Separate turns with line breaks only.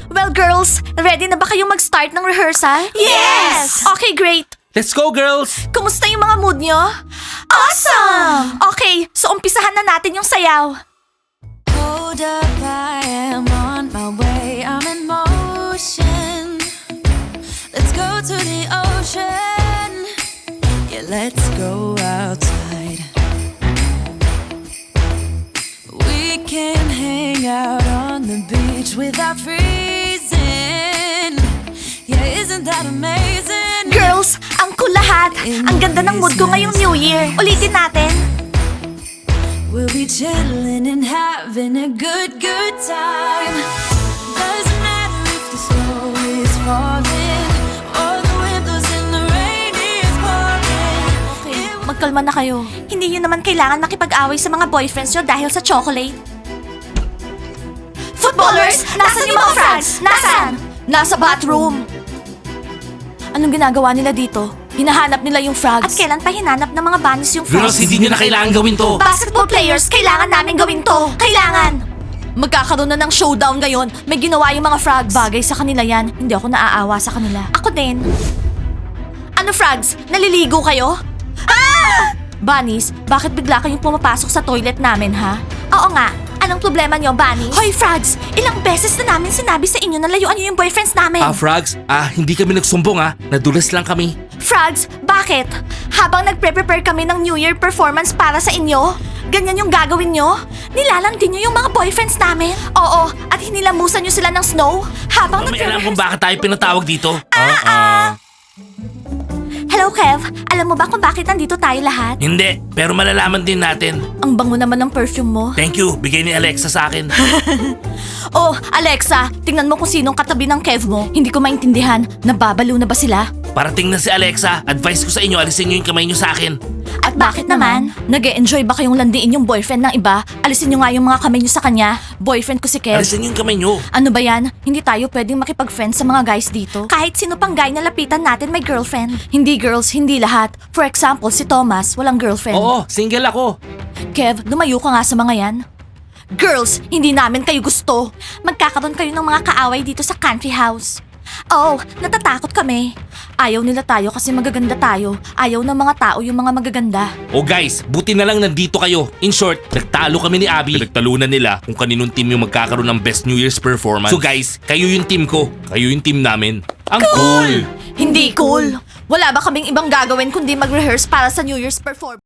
Well, girls, ready na ba kayong mag-start ng rehearsal?
Yes!
Okay, great.
Let's go, girls!
Kumusta yung mga mood nyo? Awesome! Okay, so umpisahan na natin yung sayaw.
Hold up, I am on my way. I'm in motion. Let's go to the ocean. Yeah, let's go outside. We can hang out on the beach without freezing. Yeah, isn't that amazing?
Girls, ang cool lahat. Ang ganda ng mood ko ngayong New Year. Ulitin natin.
We'll be chilling and having a good time. Doesn't matter if the snow is falling or the wind blows and the rain is pouring.
Okay, magkalma na kayo. Hindi nyo naman kailangan makipag-away sa mga boyfriends nyo dahil sa chocolate. Footballers! Nasaan yung mga frogs? Nasaan? Nasa bathroom. Anong ginagawa nila dito? Hinahanap nila yung frogs. At kailan pa hinanap ng mga bunnies yung frogs?
Girls, hindi nyo na kailangan gawin to.
Basketball players, kailangan namin gawin to. Kailangan! Magkakaroon na ng showdown ngayon. May ginawa yung mga frogs. Bagay sa kanila yan. Hindi ako naaawa sa kanila. Ako din. Ano frogs? Naliligo kayo? Ah! Bunnies, bakit bigla kayong pumapasok sa toilet namin, ha? Oo nga. Anong problema nyo, Bunnies? Hoy, frogs! Ilang beses na namin sinabi sa inyo na layuan nyo yung boyfriends namin.
Frogs, hindi kami nagsumbong nadulas lang kami.
Frogs, bakit? Habang nagpre-prepare kami ng New Year performance para sa inyo, ganyan yung gagawin nyo? Nilalandi nyo yung mga boyfriends namin? Oo, at hinilamusan nyo sila ng snow? Habang
May alam kung bakit tayo pinatawag dito?
Hello, Kev. Alam mo ba kung bakit nandito tayo lahat?
Hindi, pero malalaman din natin.
Ang bango naman ng perfume mo.
Thank you, bigay ni Alexa sa akin.
Oh, Alexa, tingnan mo kung sinong katabi ng Kev mo. Hindi ko maintindihan. Nababalo na ba sila?
Parating na si Alexa, advice ko sa inyo, alisin nyo yung kamay nyo sa akin.
At bakit naman? Nag-e-enjoy ba kayong landiin yung boyfriend ng iba? Alisin nyo nga yung mga kamay nyo sa kanya. Boyfriend ko si Kev.
Alisin nyo yung kamay nyo.
Ano ba yan? Hindi tayo pwedeng makipag-friends sa mga guys dito. Kahit sino pang guy na lapitan natin may girlfriend. Hindi girls, hindi lahat. For example, si Thomas, walang girlfriend.
Oo, single ako.
Kev, lumayo ka nga sa mga yan. Girls, hindi namin kayo gusto. Magkakaroon kayo ng mga kaaway dito sa country house. Oh, natatakot kami. Ayaw nila tayo kasi magaganda tayo. Ayaw ng mga tao yung mga magaganda.
Oh guys, buti na lang nandito kayo. In short, nagtalo kami ni Abby. Pinagtalunan nila kung kaninong team yung magkakaroon ng best New Year's performance. So guys, kayo yung team ko. Kayo yung team namin. Ang cool!
Hindi cool. Wala ba kaming ibang gagawin kundi mag-rehearse para sa New Year's performance?